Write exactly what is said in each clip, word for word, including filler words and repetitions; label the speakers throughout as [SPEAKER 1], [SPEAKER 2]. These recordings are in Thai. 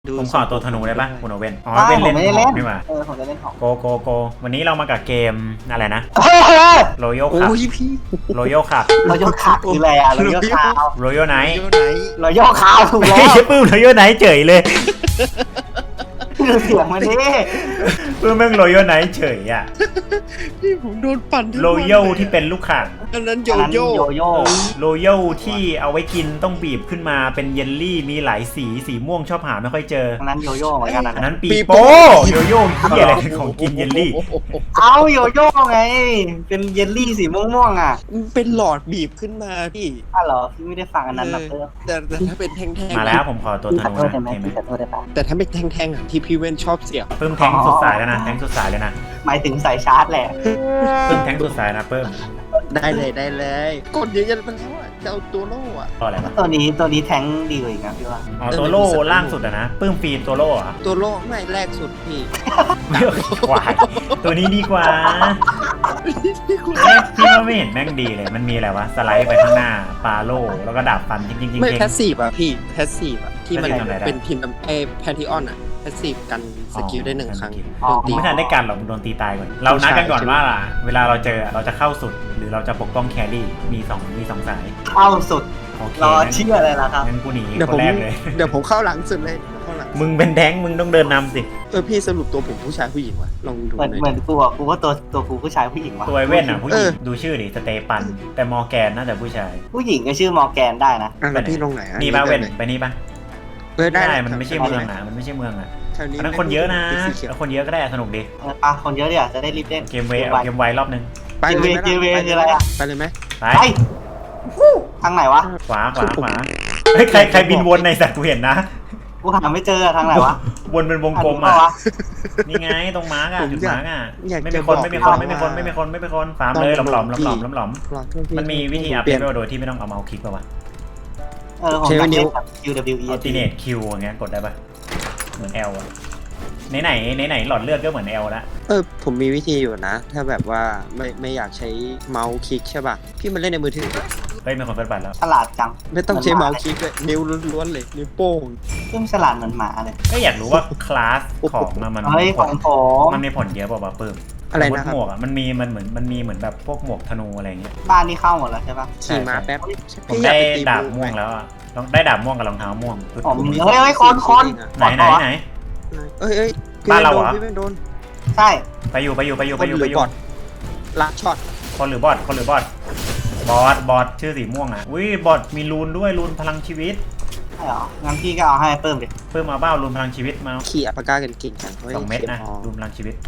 [SPEAKER 1] ผมขอตัวธนูได้ปะคุณโอเว่นอ๋อ
[SPEAKER 2] ได้
[SPEAKER 1] เป็น
[SPEAKER 2] ผม
[SPEAKER 1] เล่น
[SPEAKER 2] ไม่ได้
[SPEAKER 1] หอ
[SPEAKER 2] เล่
[SPEAKER 1] ก
[SPEAKER 2] น
[SPEAKER 1] นี่หว่า
[SPEAKER 2] เออผมจะเล่นของ
[SPEAKER 1] โกโกโกวันนี้เรามากับเกมอะไรนะ
[SPEAKER 2] เฮ้ยเฮ้ย
[SPEAKER 1] โรโยคับ
[SPEAKER 3] โอ้ยพี่
[SPEAKER 1] โรโยคับ
[SPEAKER 2] เราโยกขาคืออะไรอ่ะเราโยกขาว
[SPEAKER 1] โรโยไนท์
[SPEAKER 3] โยไหน
[SPEAKER 2] เราโยกขาวถูก
[SPEAKER 1] ไม่
[SPEAKER 2] แล้ว
[SPEAKER 1] ใช่ปื้มโรโยไนท์เฉยเลย
[SPEAKER 2] ดูเสียงมันดิ
[SPEAKER 1] ปื้มแม่งโรโยไนท์เฉยอ่ะ
[SPEAKER 3] พี่ผมโดนปั่นทั้ง
[SPEAKER 1] โร
[SPEAKER 3] วัน
[SPEAKER 1] โยที่เป็นลูกข่าง
[SPEAKER 3] อันนั้นโย
[SPEAKER 2] อันนั้น
[SPEAKER 3] โย่
[SPEAKER 2] โยโย่
[SPEAKER 1] โรโยที่เอาไว้กินต้องบีบขึ้นมาเป็นเยลลี่มีหลายสีสีม่วงชอบหาไม่ค่อยเจอ
[SPEAKER 2] อันนั้นโยโย่เหมือนกัน
[SPEAKER 1] อัน
[SPEAKER 2] นะ
[SPEAKER 1] นั้นปีโป้โยโย่ที่อะไรของกินเยลลี่
[SPEAKER 2] เอาโยโย่ไง เป็นเยลลี่สีม่วงๆอ่ะ
[SPEAKER 3] มันเป็นหลอดบีบขึ้นมาพี่
[SPEAKER 2] อ้าวเหรอพี่ไม่ได้ฟังอันนั้นนะเพื่อน
[SPEAKER 3] แต่แต่ถ้าเป็นแท่งๆ
[SPEAKER 1] มาแล้วผมขอตัวธ
[SPEAKER 2] ขอ
[SPEAKER 1] นู
[SPEAKER 2] โทษ
[SPEAKER 1] นะ
[SPEAKER 2] ได้ไหม
[SPEAKER 1] เห็นไหม
[SPEAKER 2] ขอโทษได้ปะ
[SPEAKER 3] แต่ถ้าเป็นแท่งๆอ่ะที่พี่เว้นชอบเสียบ
[SPEAKER 1] ปื้มแทงสุดสายแล้วนะแทงสุดสายเลยนะ
[SPEAKER 2] หมายถึงสายชาร์จแหละ
[SPEAKER 1] ปื้มแทงสุดสายนะปื้ม
[SPEAKER 3] ได้เลยได้เลยกดเยอะๆมันแล้วอ่ะจะเอาตัวโล่อ่ะ
[SPEAKER 1] ตัวอะไรวะ
[SPEAKER 2] ตัวนี้ตัวนี้แทงดีกว่าอีกนะพี่ว่า
[SPEAKER 1] อ๋อตัวโล่ล่างสุดอะนะปื้มฟีนตัวโล่เหรอ
[SPEAKER 3] ตัวโล่ไม่แรกสุดพี่
[SPEAKER 1] ไม่กว่าตัวนี้ดีกว่าแม่งพี่ว่าไม่เห็นแม่งดีเลยมันมีอะไรวะสไลด์ไปข้างหน้าปาโล่แล้วก็ดาบฟันจริงจริงจริง
[SPEAKER 3] ไม่แพสซีฟอ่ะพี่แพสซีฟอ่ะที่มัน
[SPEAKER 1] Passive ทำอะไรได้
[SPEAKER 3] เป็นพิมพ์ไอแพนทิออนอ่ะแพสซีฟกันสกิลได้หนึ่งครั้ง
[SPEAKER 2] อ๋อ
[SPEAKER 3] โดนตี
[SPEAKER 1] ไม่ทันได้กันหรอกโดนตีตายก่อนเรานัดกันก่อนว่าล่ะเวลาเราเจอเราจะเข้าสุดหรือเราจะปกป้องแครี่มีสองมีสองสาย
[SPEAKER 2] เข้าสุด
[SPEAKER 1] โอเค
[SPEAKER 2] รอเชื่อเลยละครับ
[SPEAKER 1] งั้นกูหนี
[SPEAKER 3] เดี๋ยว
[SPEAKER 1] ค
[SPEAKER 3] ผ
[SPEAKER 1] น
[SPEAKER 3] ม
[SPEAKER 1] แรกเลย
[SPEAKER 3] เดี๋ยวผมเข้าหลังสุดเลยเข้าหลัง
[SPEAKER 1] มึงเป็นแท้งมึงต้องเดินนำสิ
[SPEAKER 3] เออพี่สรุปตัวผมผู้ชายผู้หญิงวะลองดู
[SPEAKER 2] เหมือน
[SPEAKER 3] หน่อย
[SPEAKER 2] เหมือนกูอ่ะกูว่าตัวตัวกูผู้ชายผู้หญิงว่ะ
[SPEAKER 1] ตัวไอเว่นอ่ะผู้หญิ
[SPEAKER 3] เอง อ
[SPEAKER 1] ดูชื่อดิสเตปัน แต่มอร์แกนน่าจะผู้ชาย
[SPEAKER 2] ผู้หญิงก็ชื่อมอร์แกนได้นะ
[SPEAKER 3] อ่ะแล้วพี่ลงไหนอ่ะ
[SPEAKER 1] นี่ป่ะเว่นไปนี่ป่ะ
[SPEAKER 3] เออได้
[SPEAKER 1] ได้
[SPEAKER 3] ด้
[SPEAKER 1] มันไม่ใช่เมืองอ่ะมันไม่ใช่เมืองอ่ะ
[SPEAKER 3] แถวนี้
[SPEAKER 1] อันนั้นคนเยอะนะ
[SPEAKER 3] ป็สีเขียว
[SPEAKER 1] แล้วคนเยอะก็ได้สนุกดี
[SPEAKER 2] เออปะคนเยอะเดี๋ยวจะได้รีบเล่น
[SPEAKER 1] เกมเวย์เอาเกมไวรอบนึง
[SPEAKER 3] ไปเลยไหม
[SPEAKER 2] เกมเวย์
[SPEAKER 3] ล่
[SPEAKER 2] คืออะไรอะ
[SPEAKER 3] ไปเลยไหม
[SPEAKER 1] ไป
[SPEAKER 2] ไปทางไหนวะ
[SPEAKER 1] ขวาขวาขวาเฮ้ยใครใครบินวนในสัตว์กูเห็นนะ
[SPEAKER 2] กูหาไม่เจอทางไหนวะ
[SPEAKER 1] วนเป็นวงกลม
[SPEAKER 2] ทางนี้
[SPEAKER 1] อ่ะ
[SPEAKER 2] ปะวะ
[SPEAKER 1] นี่ไงตรงมาร์กอ่ะจุดมาร์กอ่ะ
[SPEAKER 3] อยาก
[SPEAKER 1] ไม่
[SPEAKER 3] จะ
[SPEAKER 1] มีคนไม่มีคน
[SPEAKER 3] บอก
[SPEAKER 1] ไม่มีคนไม่มีคนไม่มีคนฟาร์มเลยหลอมหลอมหลอมหลอมหลอมหลอม
[SPEAKER 3] รอโทษพี่
[SPEAKER 1] มันมีวิธีอัพ
[SPEAKER 3] เปลี่ยน
[SPEAKER 1] เลเวลโดยที่ไม่ต้องเอาเมาส์คลิกป่าวะ
[SPEAKER 2] เออผม
[SPEAKER 3] ใช้
[SPEAKER 2] อยาก
[SPEAKER 3] นิ้
[SPEAKER 2] เล่
[SPEAKER 3] ว
[SPEAKER 2] นแบบ คิว ดับเบิลยู อี
[SPEAKER 1] อัลติเนตคิวอย่างเงี้ยกดได้ป่ะเหมือน L อ่ะไหนไหนไหนไหนหลอดเลือดก็เหมือน L ละ
[SPEAKER 3] เออผมมีวิธีอยู่นะ ถ้าแบบว่าไม่ไม่อยากใช้เมาส์คลิกใช่ป่ะพี่มันเล่นในมือถือ
[SPEAKER 1] เฮ้ยมีคนเปิดบัตรแล้ว
[SPEAKER 2] ฉลาดจัง
[SPEAKER 3] ไม่ต้องใช้เมาส์คลิกเลยนิ้วล้วนๆเลยนิ้วโป้ง
[SPEAKER 2] ซึ่งฉลาดเหมือนหมาเลย
[SPEAKER 1] ก็อยากรู้ว่าคลาสของอะมัน
[SPEAKER 2] เฮ้ย
[SPEAKER 1] มี
[SPEAKER 2] ข
[SPEAKER 1] ผ
[SPEAKER 2] อ
[SPEAKER 1] ล
[SPEAKER 2] งผม
[SPEAKER 1] มันมีผลเยอะเปล่าวะปื้ม
[SPEAKER 3] อะไร
[SPEAKER 1] สมมุ
[SPEAKER 3] นะ
[SPEAKER 1] ติ
[SPEAKER 3] ครับ
[SPEAKER 1] หมวกอ่ะมันมีมันเหมือนมันมีเหมือนแบบพวกหมวกธนูอะไรเงี้ย
[SPEAKER 2] บ้านนี่เข้าหมดแล้วใช่ปะ
[SPEAKER 3] ขี่ม้าแป๊บ
[SPEAKER 1] ผม
[SPEAKER 3] พี่อยา
[SPEAKER 1] ได้
[SPEAKER 3] กไปตี
[SPEAKER 1] ดาบ
[SPEAKER 3] บู
[SPEAKER 1] ม่วงแล้วอ่ะต้องได้ดาบม่วงกับรองเท้าม่วง
[SPEAKER 2] อ๋อ
[SPEAKER 3] ผมมี
[SPEAKER 2] เฮ้ยเฮ้ยคนคน
[SPEAKER 1] ไหนไหนไหน
[SPEAKER 3] เอ้ยเอ้ยพี่
[SPEAKER 1] บ้านเราเหรอ
[SPEAKER 3] พี่ไม่โดน
[SPEAKER 2] ใช่
[SPEAKER 1] ไปอยู่ไปอยู่ไปอยู่
[SPEAKER 3] ค
[SPEAKER 1] ไป
[SPEAKER 3] น
[SPEAKER 1] อยู่
[SPEAKER 3] ห
[SPEAKER 1] ไป
[SPEAKER 3] รือ
[SPEAKER 1] อยู่
[SPEAKER 3] บอทลักช็อต
[SPEAKER 1] คนหรือบอทคนหรือบอทบอทบอทชื่อสีม่วงอ่ะอุ้ยบอทมีรูนด้วยรูนพลังชีวิต
[SPEAKER 2] ใช่เหรองั้นพี่ก็เอาให้เพิ่มดิ
[SPEAKER 1] เพิ่มมาเบ้ารูนพลังชีวิตมา
[SPEAKER 3] ขี่อัปปากากันเก่งจังฮ้ย
[SPEAKER 1] สองเม็ดนะ
[SPEAKER 3] ขียพอ
[SPEAKER 1] รูนพลังชีวิต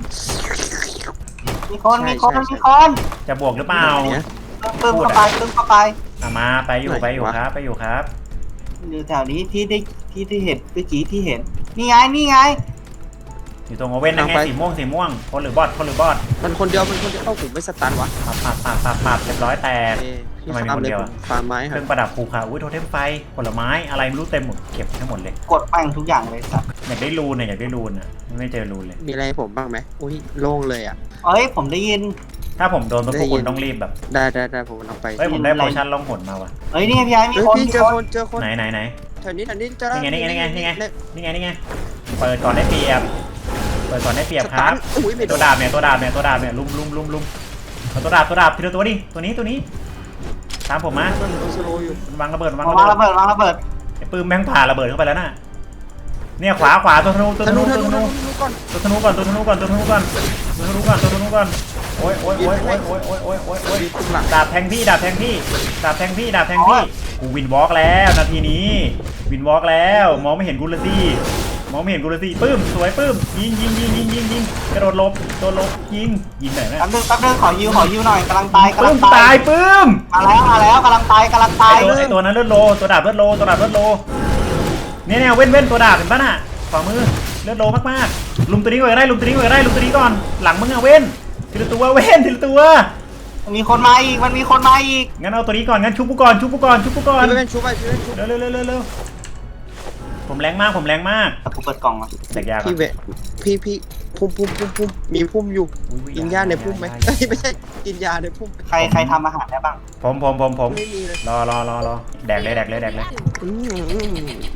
[SPEAKER 2] มีคน
[SPEAKER 3] ใช่
[SPEAKER 2] มีคน
[SPEAKER 3] ใช่
[SPEAKER 2] มีคน
[SPEAKER 1] จะบวกหรือเปล่า
[SPEAKER 3] เนี่ย
[SPEAKER 2] เพิ่มเข้าไปเพิ่มเข้าไป
[SPEAKER 1] อ่ะมาไปอยู่
[SPEAKER 3] ไหน
[SPEAKER 1] ไปอยู่
[SPEAKER 3] วะ
[SPEAKER 1] ครับไปอยู่ครับ
[SPEAKER 2] อยู่แถวนี้ที่ได้ที่ที่เห็นเมื่อกี้ที่เห็น นี่ไงนี่ไง
[SPEAKER 1] อยู่ตรงโอเว่นนะไงสีม่วงสีม่วงคนหรือบอทคนหรือบอท
[SPEAKER 3] มันคนเดียวมันคนเดียวเอ้าผมไม่สตันวะ
[SPEAKER 1] ปับปับปับปับปับเรียบร้อยแตก
[SPEAKER 3] เอ้ยพี่
[SPEAKER 1] ทำไมมี
[SPEAKER 3] ฟาร์ม
[SPEAKER 1] คน
[SPEAKER 3] เลย
[SPEAKER 1] เดียว
[SPEAKER 3] ผ
[SPEAKER 1] อะ
[SPEAKER 3] มฟาร์มไม้ค
[SPEAKER 1] เค
[SPEAKER 3] รั
[SPEAKER 1] รื่
[SPEAKER 3] บ
[SPEAKER 1] องประดับภูเขาอุ้ยโทเทมไฟผลไม้อะไรไม่รู้เต็มหมดเก็บให้หมดเลย
[SPEAKER 2] กดแป้งทุกอย่างเลยสัตว์
[SPEAKER 1] อยากได้รูนเนี่ยอยากได้รูนอ่ะไม่เจอรูนเลย
[SPEAKER 3] มีอะไรให้ผมบ้างไหมอุ้ยโล่งเลยอ่ะ
[SPEAKER 2] เอ้ยผมได้ยิน
[SPEAKER 1] ถ้าผมโดนพวก
[SPEAKER 3] ได้ยิน
[SPEAKER 1] คุณต้องรีบแบบ
[SPEAKER 3] ได้ได้ได้ผมเอาไป
[SPEAKER 1] เฮ้ยผมได้
[SPEAKER 2] ได้
[SPEAKER 1] โพ
[SPEAKER 2] ยิน
[SPEAKER 1] ชั่นล่องหนมาว่ะ
[SPEAKER 2] เฮ้ยนี่ไงพี่ไอ้มี
[SPEAKER 3] เฮ้ย
[SPEAKER 2] คน
[SPEAKER 3] พี่
[SPEAKER 2] มี
[SPEAKER 3] เจอ
[SPEAKER 2] ค
[SPEAKER 3] คน นเจอคน
[SPEAKER 1] ไหนไหนไหน
[SPEAKER 3] แถวนี้แถวนี้เจอ
[SPEAKER 1] นี่ไงนี่ไงนี่ไงนี่ไง
[SPEAKER 3] เย
[SPEAKER 1] นี่ไงนี่ไงเปิดก่อนได้เปรียบเปิดก่อนได้เปรียบ
[SPEAKER 3] ส
[SPEAKER 1] ค
[SPEAKER 3] ตั
[SPEAKER 1] รับ
[SPEAKER 3] นอุ้ยไม่โด
[SPEAKER 1] ตัวน ดาบเนี่ยตัวดาบเนี่ยตัวดาบเนี่ยลุมลุมลุมลุมเอาตัวดาบตัวดาบทีละตัวดิตัวนี้ตัวนี้ตามผมมา
[SPEAKER 3] มันโดนสโลว์อยู่
[SPEAKER 1] วางระเบิดวาง
[SPEAKER 2] วาง
[SPEAKER 1] ระเบิ
[SPEAKER 2] ระ
[SPEAKER 1] ด
[SPEAKER 2] เบิดวางระเบิด
[SPEAKER 1] ไอ้ปืนแม่งผ่าระเบิดเข้าไปแล้วน่ะเนี่ยขวาขวาตัวธนูตัว
[SPEAKER 3] ธ
[SPEAKER 1] ธ
[SPEAKER 3] นู
[SPEAKER 1] นู
[SPEAKER 3] ธ
[SPEAKER 1] ตัว
[SPEAKER 3] นู
[SPEAKER 1] ธนู
[SPEAKER 3] ธนูก่อน
[SPEAKER 1] ตัวธนูก่อนตัวธนูก่อนตัวธนูก่อนตัวธนูก่อนตัวธนูก่อนโอ้ยโอ้ยโอ้ยโอ้ยโอ้ยโอ้ยโอ้ยโอ้ยโอ้ย
[SPEAKER 3] มีตุ้มหลัง
[SPEAKER 1] ดาบแทงพี่ดาบแทงพี่ดาบแทงพี่ดาบแทงพี่กูวินวอล์กแล้วนาทีนี้วินวอล์กแล้วมองไม่เห็นกูเลยสิมองไม่เห็นกูเลยสิปื้มสวยปื้มยิงยิงยิงยิงยิงยิงกระโดดหลบโดดหลบยิงยิงไหนนะ
[SPEAKER 2] แป๊บนึงแป๊บนึงขอยิวขอยิวหน่อยกำลังตายกำ
[SPEAKER 1] ปื้
[SPEAKER 2] ลั
[SPEAKER 1] ม
[SPEAKER 2] งตา
[SPEAKER 1] ตาย ยปื้ม
[SPEAKER 2] มาแล้วมาแล้วกำลังตายกำลังตาย
[SPEAKER 1] ไอตัวไอตัวนั้นเลือดโลตัวดาบเลือดโลตัวดาบเลือดโลเนี่ยเนี่ยเว้นเว้นตัวดาบเห็นปะน่ะขวามือเลือดโลมากๆลุมตัวนี้ก่อนก็ได้ลุมตัวนี้ก่อนก็ได้ลุมตัวนี้ก่อนหลังมึงอะเว้นทีละตัวเว้นทีละตัว
[SPEAKER 2] มีคนมาอีกมันมีคนมาอีก
[SPEAKER 1] งั้นเอาตัวนี้ก่อนงั้นชุบกูก่อนชุบกูก่อนชุบกูก่อน
[SPEAKER 3] พี่เป็นชูไปพี่เป็นชู
[SPEAKER 1] เร็วเร็วเร็วเร็วเร็วผมแรงมากผมแรงมาก
[SPEAKER 2] กูเปิดกล่องมา
[SPEAKER 1] แตกยาก
[SPEAKER 3] พี่เวะพี่พี่พุ่มพุ่มพุ่มพุ่มมีพุ่มอยู่กินหญ้าในพุ่มไหมเอ้ยไม่ใช่กินยาในพุ่ม
[SPEAKER 2] ใครใครทำอาหารได้บ้าง
[SPEAKER 1] ผมผมผมผม
[SPEAKER 3] ไม่มีเลย
[SPEAKER 1] รอรอรอรอแดกเลยแดกเลยแดกเลย
[SPEAKER 3] อืม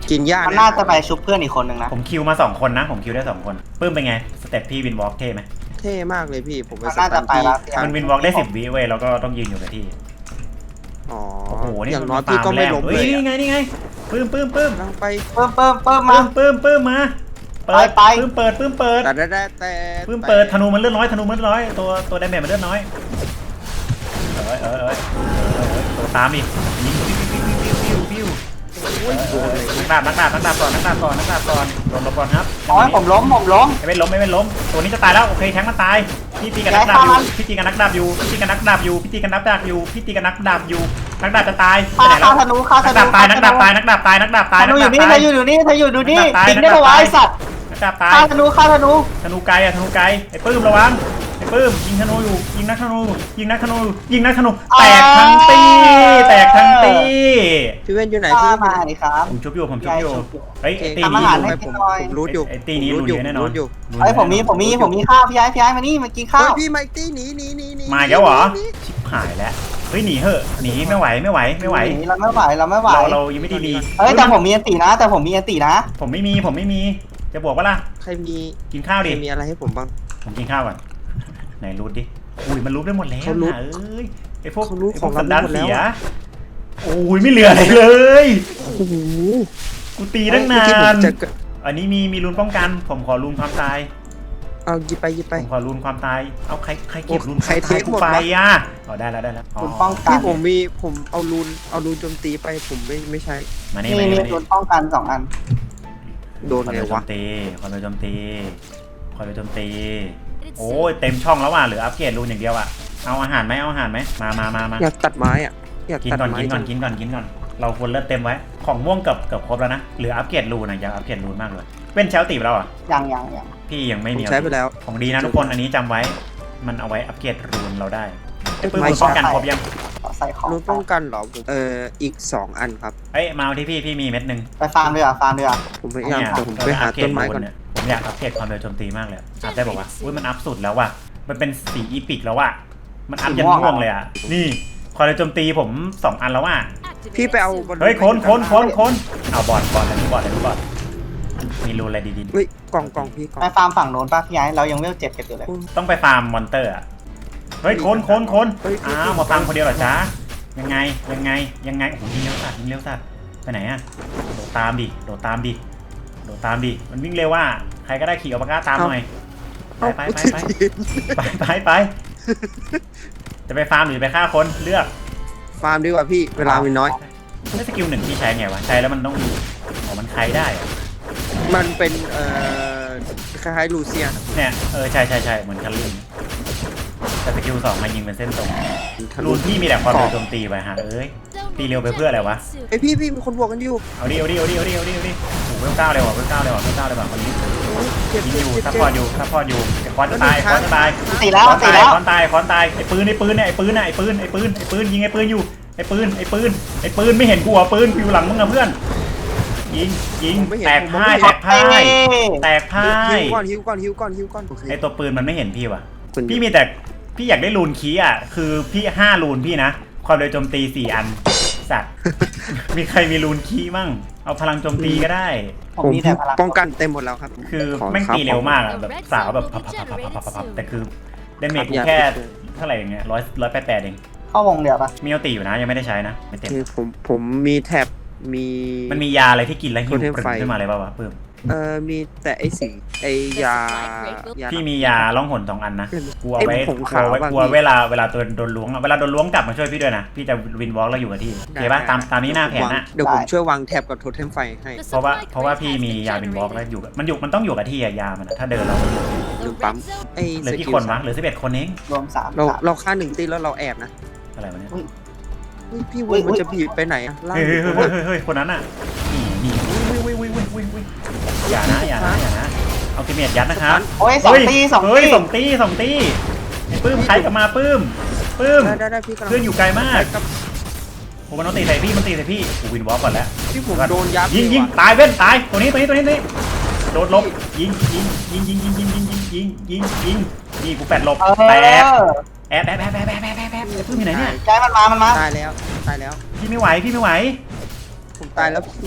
[SPEAKER 3] กินหญ้า
[SPEAKER 2] มัน
[SPEAKER 3] นะ
[SPEAKER 2] น่าจะไปชุบเพื่อนอีกคนหนึ่งนะ
[SPEAKER 1] ผมคิวมาสองคนนะผมคิวได้สองคนปื้มเป็นไงสเต็ปพี่วินวอล์กเท่ไหม
[SPEAKER 3] เท่มากเลยพี่ผมไป
[SPEAKER 2] มัน
[SPEAKER 3] ส
[SPEAKER 2] น่า
[SPEAKER 3] ตั
[SPEAKER 2] จะ
[SPEAKER 3] น
[SPEAKER 2] ไป
[SPEAKER 3] ที่
[SPEAKER 2] แล้ว
[SPEAKER 1] มันวินวอล์กได้สิบวิเว้ยแล้วก็ต้องยืนอยู่กับที่
[SPEAKER 3] อ๋อ
[SPEAKER 1] โอ้โหนี่
[SPEAKER 3] อย่างน้อยพี่ก็ไม่ล้ม
[SPEAKER 1] เฮ้
[SPEAKER 3] เลย ย
[SPEAKER 1] นี่ไงนี่ไงปื้มปื้มปื้ม
[SPEAKER 3] กำลังไป
[SPEAKER 2] เพิ่มเพิ่มเพิ่ม
[SPEAKER 1] ปื้
[SPEAKER 2] มาม
[SPEAKER 1] ปื้มปื้มมาเปิด
[SPEAKER 2] ไปไป
[SPEAKER 1] ปื้มเปิดปื้มเปิด
[SPEAKER 3] แต่แต่แต่
[SPEAKER 1] ปื้มเปิดธนูมันเลือดน้อยธนูมันเลือดน้อยตัวตัวดาเมจมันเลือดน้อยเอ้ยเอ้ยเอ้ยตัวตามดิยิงปิ้วปิ้วปิ้วปิ้วปิ้วนักดาบนักดาบนักดาบก่อนนักดาบก่อนนักดาบก่อนโดนลบก่อนครับ
[SPEAKER 2] โอ้ยผมล้มผมล้ม
[SPEAKER 1] ไม่เป็นล้มไม่เป็นล้มตัวนี้จะตายแล้วโอเคแทงมันตายพี่ตีกับนักดาบอยู่พี่ตีกับนักดาบอยู่พี่ตีกับนักดาบอยู่พี่ตีกับนักดาบอยู่พี่ตีกับนักดาบอยู่นักดาบจะตายไป
[SPEAKER 2] ฆ่า
[SPEAKER 1] ไหนแล้
[SPEAKER 2] ฆ่าว ธนูฆ่าธ
[SPEAKER 1] นัก
[SPEAKER 2] นู
[SPEAKER 1] ดาบตายนักดาบตายนักดาบตายนักดาบตาย
[SPEAKER 2] ธ
[SPEAKER 1] นั
[SPEAKER 2] นู
[SPEAKER 1] ก
[SPEAKER 2] อ
[SPEAKER 1] ดา
[SPEAKER 2] ยู่
[SPEAKER 1] บ
[SPEAKER 2] นี่
[SPEAKER 1] ตาย
[SPEAKER 2] เธออยู่นี่เธออยู่ดูนี่
[SPEAKER 1] นักดาบตาย
[SPEAKER 2] ทิ้งได้ปะวะไอสัตว์
[SPEAKER 1] นักดาบตาย
[SPEAKER 2] ฆ่าธนูฆ่าธนู
[SPEAKER 1] ธนูไกลอะธนูไกลไอ้ปื้มระวังไอ้ปื้มยิงธนูอยู่ยิงนักธนูยิงนักธนูยิงนักธนูแตกทั้งตีแตกทั้งตี
[SPEAKER 3] พี่เว้นอยู่ไหน
[SPEAKER 2] ฆ่า
[SPEAKER 3] พี่
[SPEAKER 2] มาดิครับ
[SPEAKER 1] ผมชุบอยู่ผมชุบอยู่เฮ้ยไอ้ตี
[SPEAKER 2] ทำ
[SPEAKER 1] นี้
[SPEAKER 2] อาหาร
[SPEAKER 1] รู้
[SPEAKER 2] ให้
[SPEAKER 3] ผมผมรู้อยู่
[SPEAKER 1] ไอ้ตีนี้รู้เยอะแน่นอน
[SPEAKER 3] อยู่
[SPEAKER 2] ไอยผมมีผมมีผมมีข้าวพี่ไอ้พี่ไอ้มานี่มากินข้า
[SPEAKER 3] เฮ้
[SPEAKER 2] วย
[SPEAKER 3] พี่ไมตี้หนีหนีหนีหนี
[SPEAKER 1] มาแล้วเหรอชิบหายแล้วเฮ้ยหนีเหอะหนีไม่ไหวไม่ไหวไม่ไหว
[SPEAKER 2] เราไม่ไหวเราไม่ไหว
[SPEAKER 1] เราเรายังไม่ได้ดี
[SPEAKER 2] เฮ้ยแต่ผมมีอันตีนะ แต่ผมมีอันตีนะ
[SPEAKER 1] ผมไม่มีผมไม่มีจะบวกว่าล่ะ
[SPEAKER 3] ใครมี
[SPEAKER 1] กินข้าว
[SPEAKER 3] ใคร
[SPEAKER 1] ดิ
[SPEAKER 3] มีอะไรให้ผมบ้าง
[SPEAKER 1] ผมกินข้าวก่อนไหนรูดดิอุ้ยมันรูดได้หมดแล้ว
[SPEAKER 3] เขารูท
[SPEAKER 1] นะเอ้ยไอพวก
[SPEAKER 3] เขารูท
[SPEAKER 1] ไอพ
[SPEAKER 3] ขอ
[SPEAKER 1] ว
[SPEAKER 3] ง
[SPEAKER 1] ก
[SPEAKER 3] เรา
[SPEAKER 1] สันดาน
[SPEAKER 3] หมดแล้ว
[SPEAKER 1] เสีย
[SPEAKER 3] อะ
[SPEAKER 1] โอ้ยไม่เหลืออะไรเลย
[SPEAKER 3] โอ้โห
[SPEAKER 1] กูตีตั้งนา
[SPEAKER 3] เมื่อกี้ผม
[SPEAKER 1] น
[SPEAKER 3] จะ
[SPEAKER 1] อันนี้มีมีรุนป้องกัน ผมขอรุนความตาย
[SPEAKER 3] เอาหยิบไปหยิบไป
[SPEAKER 1] ผมขอรุนความตายเอาใครใครเก็บ
[SPEAKER 3] โอ้
[SPEAKER 1] รุน
[SPEAKER 3] ใคร
[SPEAKER 1] ความตาย
[SPEAKER 3] เทค
[SPEAKER 1] กู
[SPEAKER 3] หมด
[SPEAKER 1] ไป
[SPEAKER 3] วะ
[SPEAKER 1] อ่ะอ๋อได้แล้วได้แล้วอ๋อ
[SPEAKER 2] คุณป้องกัน
[SPEAKER 3] พี่ผมมีผมเอารูนเอารูนโจมตีไปผมไม่ไม่ใช่
[SPEAKER 1] มานี่
[SPEAKER 2] นี่
[SPEAKER 1] มานี่
[SPEAKER 2] นี่
[SPEAKER 1] มานี่
[SPEAKER 2] โดนป้องกันสองอัน
[SPEAKER 3] โดน
[SPEAKER 1] คอน
[SPEAKER 3] ไง
[SPEAKER 1] โดโจ
[SPEAKER 3] วะ
[SPEAKER 1] มตีคอนโดโจมตีคอนโดโจมตีโอ้ยเต็มช่องแล้วว่ะเหลืออัปเกรดรูนอย่างเดียวอ่ะเอาอาหารไหมเอาอาหารไหมมามามามา
[SPEAKER 3] อยากตัดไม้อ่ะอยาก
[SPEAKER 1] กิน
[SPEAKER 3] ตัด
[SPEAKER 1] ก่อน
[SPEAKER 3] ไม้
[SPEAKER 1] กินก่อน
[SPEAKER 3] จัง
[SPEAKER 1] กินก่อนกินก่อนเราควรเลือดเต็มไว้ของม่วงเกือบเกือบครบแล้วนะเหลืออัปเกรดรูนนะอยากอัปเกรดรูนมากเลยเป็นเชลตีไปแล้วอ่ะ
[SPEAKER 2] ยังยังยัง
[SPEAKER 1] พี่ยังไม่
[SPEAKER 3] ผม
[SPEAKER 1] มี
[SPEAKER 3] ใช้ไปแล้ว
[SPEAKER 1] ของดีนะทุกคนอันนี้จำไว้ มันเอาไว้อัปเกรดรูนเราได้ไอ้ปื้ม
[SPEAKER 3] ไม่
[SPEAKER 1] มึงป้องกันครบยัง
[SPEAKER 2] ขอใส่ของ
[SPEAKER 3] รูนป้องกันเหรอผมเอ่ออีกสองอันครับ
[SPEAKER 1] เอ้ยมาเอาที่พี่พี่มีเม็ดหนึ่ง
[SPEAKER 2] ไปฟาร์มด้วยอ่ะฟาร์มด้วยอ่ะ
[SPEAKER 3] ผมพยายาม
[SPEAKER 1] เนี่ย
[SPEAKER 3] แต่ผมไปหาต้นไม้ก่อน
[SPEAKER 1] เยผมอยากอัปเกรดความเร็วโจมตีมากเลยอัพได้บอกว่าอุ้ยมันอัพสุดแล้วว่ะมันเป็นสีอีพิกแล้วว่ะมันอัพยันม่วงเลยอ่ะนี่ความเร็วโจมตีผมสองอันแล้วว่ะ
[SPEAKER 3] พี่ไปเอาบอล
[SPEAKER 1] เฮ้ยคนคนคนคนเอาบอลบอลอะไรนี่บอลอะไรนี่บอลมีรูนอะไรดี
[SPEAKER 3] เฮ้ยกล่องกล่องพี่กล่อง
[SPEAKER 2] ไปฟาร์มฝั่งโน้นป่ะพี่ไอ้เรายังเวลเจ็ดกันอยู่เลย
[SPEAKER 1] ๆต้องไปฟาร์มมอนเตอร์อะเฮ้ยคนคนคนอ้าวมาฟาร์มคนเดียวเหรอจ๊ะยังไงยังไงยังไงโอ้โหยิงเร็วสัตว์ยิงเร็วสัตว์ไปไหนอะโดดตามดิโดดตามดิโดดตามดิมันวิ่งเร็วว่าใครก็ได้ขี่อัลปาก้าตามหน่อยไปไปไปไปไปไปไปจะไปฟาร์มหรือไปฆ่าคนเลือก
[SPEAKER 3] ฟาร์มดีกว่าพี่เวลามีน้อย
[SPEAKER 1] ไม่สกิลหนึ่งที่ใช้ไงวะใช้แล้วมันต้องอ๋อมันใครได้อะ
[SPEAKER 3] มันเป็นเอ่อคล้ายๆลูเซียน
[SPEAKER 1] เนี่ยเออใช่ใช่ใช่เหมือนคันลิงแต่สกิลสองมายิงเป็นเส้นตรงรูนพี่มีแต่ความเร็วโจมตีไปฮะเอ้ยตีเร็วไปเพื่ออะไรวะ
[SPEAKER 3] ไอยพี่พี่มีคนบวกกันอยู่
[SPEAKER 1] เอาดิเอาดิเอาดิเอาดิเอาดิเอาดิโอ้โหเวลเก้าเลยว่ะเวลเก้าเลยว่ะเวลเก้าเลยว่ะคนนี้
[SPEAKER 3] เจ็บ
[SPEAKER 1] ยิง
[SPEAKER 3] เจ็
[SPEAKER 1] อบ ยู่
[SPEAKER 3] เจ็บ
[SPEAKER 1] ซัพ
[SPEAKER 3] เจ็
[SPEAKER 1] พอร์ตอยู่ซัพพอร์ตอยู่ไอ้คอนจะตายคอนจะตาย
[SPEAKER 2] ตีแล้ว
[SPEAKER 1] คอน
[SPEAKER 2] ตี
[SPEAKER 1] ตาย
[SPEAKER 2] แล้ว
[SPEAKER 1] คอนตายคอนตายไอ้ปืนไอ้ปืนเนี่ยไอ้ปืนน่ะไอ้ปืนไอ้ปืนไอ้ปืนยิงไอ้ปืนอยู่ไอ้ปืนไอ้ปืนไอ้ปืนไม่เห็นกูเหรอปืนกูอยู่หลังมึงอะเพื่อนยิงยิงแตกพ่ายแตกพ่ายแตกพ่า
[SPEAKER 3] ฮิ
[SPEAKER 1] ยว
[SPEAKER 3] ก่อนฮิวก่อนฮิวก่อนฮิวก่อนโอเค
[SPEAKER 1] ไอ้ตัวปืนมันไม่เห็นพี่ว่ะ
[SPEAKER 3] คุณ
[SPEAKER 1] พี่มีแต่พี่อยากได้รูนคีย์อ่ะคือพี่ห้ารูนพี่นะความเร็วโจมตีสี่อันสัตว์ มีใครมีรูนคีย์มั่งเอาพลังโจมตีก็ได้
[SPEAKER 2] ผม
[SPEAKER 3] ผม
[SPEAKER 2] มีแต่พลัง
[SPEAKER 3] ป้องกันเต็มหมดแล้วครับ
[SPEAKER 1] คือ
[SPEAKER 3] ข
[SPEAKER 1] แม่ง
[SPEAKER 3] ครับ
[SPEAKER 1] ตีเร็วมากอะ
[SPEAKER 4] ผม
[SPEAKER 1] แบบสาวแบบพับพับพับพับพับพับแต่คือเดเมจกูแค่เท่าไหร่อย่างเงี้ยร้อยร้อยแปดแปดเอง
[SPEAKER 2] เข้าวงเดียวป่ะ
[SPEAKER 1] มีเอาตีอยู่นะยังไม่ได้ใช้นะไม่เต็ม
[SPEAKER 3] คือผมผมมีแท็บมี
[SPEAKER 1] มันมียาอะไรที่กินแล้วหิว
[SPEAKER 3] โทเทม
[SPEAKER 1] ปรึง
[SPEAKER 3] ไฟ
[SPEAKER 1] ขึ้นมาเลยป่าวะปื้ม
[SPEAKER 3] เอ่อมีแต่ไอสีไอยายา
[SPEAKER 1] พี่มียาล่องหนสองอันนะกลัว
[SPEAKER 3] ไอ้
[SPEAKER 1] ไว้
[SPEAKER 3] ผง
[SPEAKER 1] กลั
[SPEAKER 3] ขาว
[SPEAKER 1] วไว้
[SPEAKER 3] บาง
[SPEAKER 1] กลัว
[SPEAKER 3] ที
[SPEAKER 1] เวลาเวลาตัวโดนล้วงอะเวลาโดนล้วงกลับมาช่วยพี่ด้วยนะพี่จะวินวอล์กแล้วอยู่กับที่โอเคป่ะตามตามนี้หน้าแผนนะ
[SPEAKER 3] เดี๋ยวผมช่วยวางแท็บกับโทเทมไฟให้
[SPEAKER 1] เพราะว่าเพราะว่าพี่มียาวินวอล์กแล้วอยู่กับมันอยู่มันต้องอยู่กับที่อะยามันอะถ้าเดินเรา
[SPEAKER 3] ลืมปั๊มไอ
[SPEAKER 1] เหลื
[SPEAKER 3] ส
[SPEAKER 1] อกี่
[SPEAKER 3] กิล
[SPEAKER 1] คนวะเหลือสิบเอ็ดคนเอง
[SPEAKER 2] รวมสาม
[SPEAKER 3] เรา
[SPEAKER 2] สาม
[SPEAKER 3] เราฆ่าหนึ่งตีแล้วเราแอบนะ
[SPEAKER 1] อะไรวะเนี่ย
[SPEAKER 3] เฮ้ยพี่วุ้ยมันจะบีบไปไหนอะล่าง
[SPEAKER 1] เฮ้ย
[SPEAKER 3] หรื
[SPEAKER 1] เฮ้
[SPEAKER 3] อย บ
[SPEAKER 1] เฮ้ย
[SPEAKER 3] น
[SPEAKER 1] เฮ้ยเฮ้ยคนนั้นอ่ะนี่นี่วิววิววิววิววิวอย่านะอย่านะอย่านะเอาติเมตยัดนะครับ
[SPEAKER 2] โอ้ยสองตีสอง
[SPEAKER 1] เฮ้ย
[SPEAKER 2] ตี
[SPEAKER 1] สองตีสองตีไอ้ปื้มใครกลับมาปื้มปื้ม
[SPEAKER 3] ได้ได้ได้พี่กำลัง
[SPEAKER 1] เพื่อนอยู่ไกลมาก
[SPEAKER 3] กับ
[SPEAKER 1] โอ้มันต้องตีใส่พี่มันตีใส่พี่กูวินวอล์กก่อนแล้ว
[SPEAKER 3] ที่ผมโดนยับ
[SPEAKER 1] ยิงยิง
[SPEAKER 3] เลว่ะ
[SPEAKER 1] ตายเว้นตายตัวนี้ตัวนี้ตัวนี้ตัวนี้โดดหลบยิงยิงยิงยิงยิงยิงยิงยิงยิงยิงยิงนี่กูแปดหลบ
[SPEAKER 2] เอ
[SPEAKER 1] แตก
[SPEAKER 2] อ
[SPEAKER 1] แอบแอบแอบแอบแอบแอบแอบแอบปื้มอยู่ไหนเนี่ย
[SPEAKER 2] ใจมันมามันมา
[SPEAKER 3] ตายแล้วตายแล้ว
[SPEAKER 1] พี่ไม่ไหวพี่ไม่ไหว
[SPEAKER 3] ผมตายแล้วพี่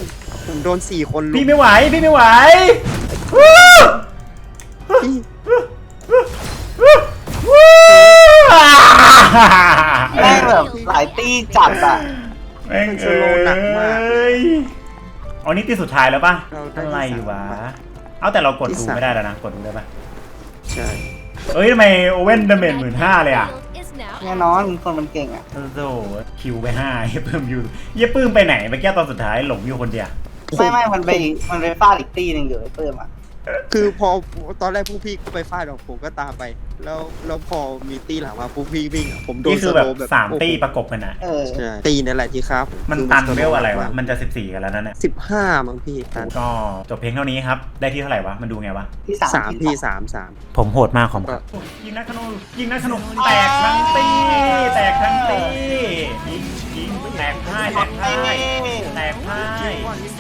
[SPEAKER 3] ผมโดนสี่คนลุ
[SPEAKER 1] พี่
[SPEAKER 3] ม
[SPEAKER 1] ไม่ไหวพี่ไม่ไหววู้
[SPEAKER 3] พี่
[SPEAKER 1] วู้
[SPEAKER 2] แม่งแบบหลายตีจัดอ่ะ
[SPEAKER 1] แม่งเอ้ยอ๋อนี่ตีสุดท้ายแล้วป่ะอะไรวะเอาแต่เรากดดูไม่ได้แล้วนะกดดูได้ป่ะ
[SPEAKER 3] ใช่
[SPEAKER 1] เอ้ยทำไมโอเว่นดาเมจหมื่นห้าเลยอ่ะ
[SPEAKER 2] แน่นอนคนมันเก่งอ่ะ
[SPEAKER 1] โอ้โหคิวไปห้าเหี้ยปื้มอยู่เหี้ยปื้มไปไหนเมื่อกี้ตอนสุดท้ายหลงอยู่คนเดียว
[SPEAKER 2] ไม่ไม่มันไปมันไปฟาดอีกตีหนึ่งอยู่ไอ้เพิ่มอ่ะ
[SPEAKER 3] คือพอตอนแรกพวกพี่ก็ไปฟาดของผมก็ตามไป แล้วแล้วพอมีตีหลังมาพวกพี่วิ่งอะผมโดน
[SPEAKER 1] นี่คือ
[SPEAKER 3] ส
[SPEAKER 1] แบบ
[SPEAKER 3] โลว์แบบ
[SPEAKER 1] สามตีประกบกันนะ
[SPEAKER 2] เออ
[SPEAKER 3] ใช่ตีนั่นแหละที่ครับ
[SPEAKER 1] มันตันเวลอะไรวะมันจะสิบสี่กันแล้วนั่นแหละ
[SPEAKER 3] สิบห้ามั้งพี่ตัน
[SPEAKER 1] ก็จบเพลงเท่านี้ครับได้ที่เท่าไหร่วะมันดูไงวะ
[SPEAKER 2] ที่สาม
[SPEAKER 3] สามพี่สามสาม
[SPEAKER 1] ผมโหดมากของยิงนักขนุนยิงนักขนุนแตกทั้งตีแตกทั้งตียิงยิงแตกพ่ายแตกพ่ายแตกพ่าย